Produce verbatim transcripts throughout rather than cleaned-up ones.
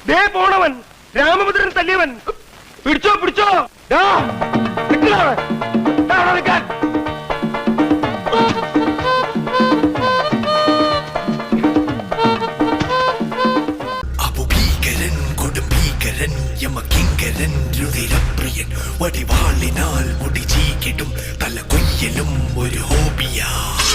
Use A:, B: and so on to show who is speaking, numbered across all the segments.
A: ദേ പോണവൻ രാമഭദ്രൻ തല്ലിയവൻ. പിടിച്ചോ പിടിച്ചോ.
B: അപുഭീകരൻ കൊടുംഭീകരൻ യമകിങ്കരൻ രുതിരപ്രിയൻ വടിവാളിനാൽ മുടി ചീകിടും തല കൊയ്യലും ഒരു ഹോബിയാ.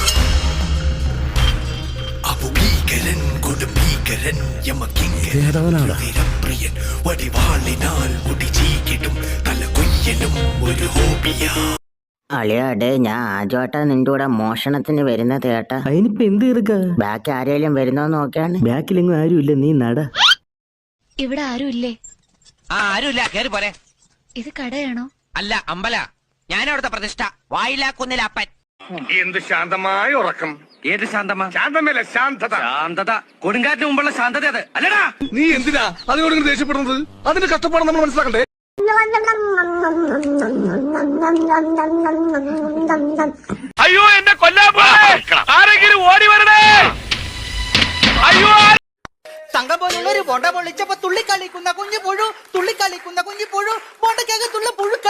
B: അപുഭീകരൻ കൊടുംഭീകരൻ യമകിങ്കരൻ രുതിരപ്രിയൻ വടിവാളിനാൽ മുടി ചീകിടും തല കൊയ്യലും ഒരു ഹോബിയാ.
C: അളിയാടെ ഞാൻ ആദ്യമായിട്ടാ നിന്റെ കൂടെ മോഷണത്തിന് വരുന്നത് കേട്ടാ.
D: അതിനിപ്പോ എന്ത് തീർക്ക?
C: ബാക്കി ആരെങ്കിലും വരുന്നോന്ന് നോക്കിയാണ്.
D: ബാക്കിലെങ്ങും ആരും ഇല്ല, നീ നട.
E: ഇവിടെ ആരും ഇല്ലേ?
F: ആ ആരുമില്ല, കേറി പോരെ.
E: ഇത് കടയാണോ?
F: അല്ല, അമ്പല. ഞാനവിടുത്തെ പ്രതിഷ്ഠ വായിലാക്കുന്നില്ലപ്പൻ.
A: എന്ത് ശാന്തമായ ഉറക്കം.
F: ഏത് ശാന്തമാ?
A: ശാന്തമല്ല, ശാന്തത.
F: ശാന്തത കൊടുങ്കാറ്റിന് മുമ്പുള്ള ശാന്തത അത് അല്ലടാ.
A: നീ എന്തിനാ അതിനോട് ദേഷ്യപ്പെടുന്നത്? അതിന്റെ കഷ്ടപ്പാട് നമ്മൾ മനസ്സിലാക്കണ്ടേ? അയ്യോ, എന്നെ കൊല്ലാൻ ആരെങ്കിലും ഓടി വരണേ. അയ്യോ,
G: തങ്കം പോലുള്ള ഒരു ബോണ്ട പൊള്ളിച്ചപ്പോ തുള്ളിക്കളിക്കുന്ന കുഞ്ഞു പുഴു, തുള്ളിക്കളിക്കുന്ന കുഞ്ഞു പുഴു, ബോണ്ടക്കകത്തുള്ള പുഴുക്കൾ.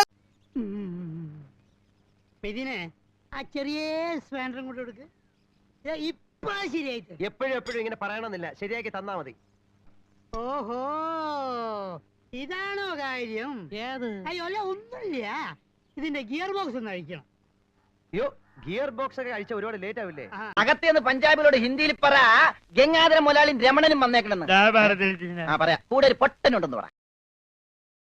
H: ഇതിനെ ആ ചെറിയ സ്പാൻഡറും കൊണ്ട് കൊടുക്ക്. ഇപ്പൊ ശരിയായിട്ട്.
A: എപ്പോഴും എപ്പോഴും ഇങ്ങനെ പറയണമെന്നില്ല, ശരിയാക്കി തന്നാ മതി.
H: ഓഹോ, ഇതാണോ കാര്യം? അയ്യോ അല്ല, ഒന്നുമില്ല. ഇതിന്റെ ഗിയർ ബോക്സ് ഒന്ന് അഴിക്കണം.
A: അയ്യോ, ഗിയർ ബോക്സ് ഒക്കെ അഴിച്ച ഒരുപാട് ലേറ്റ് ആവില്ലേ?
G: അകത്തേന്ന് പഞ്ചാബിലോട് ഹിന്ദിയിൽ പറ, ഗംഗാധര മുലാളിയും രമണനും വന്നേക്കണെന്ന്. പറയാ കൂടെ ഒരു പൊട്ടനുണ്ടെന്ന് പറ.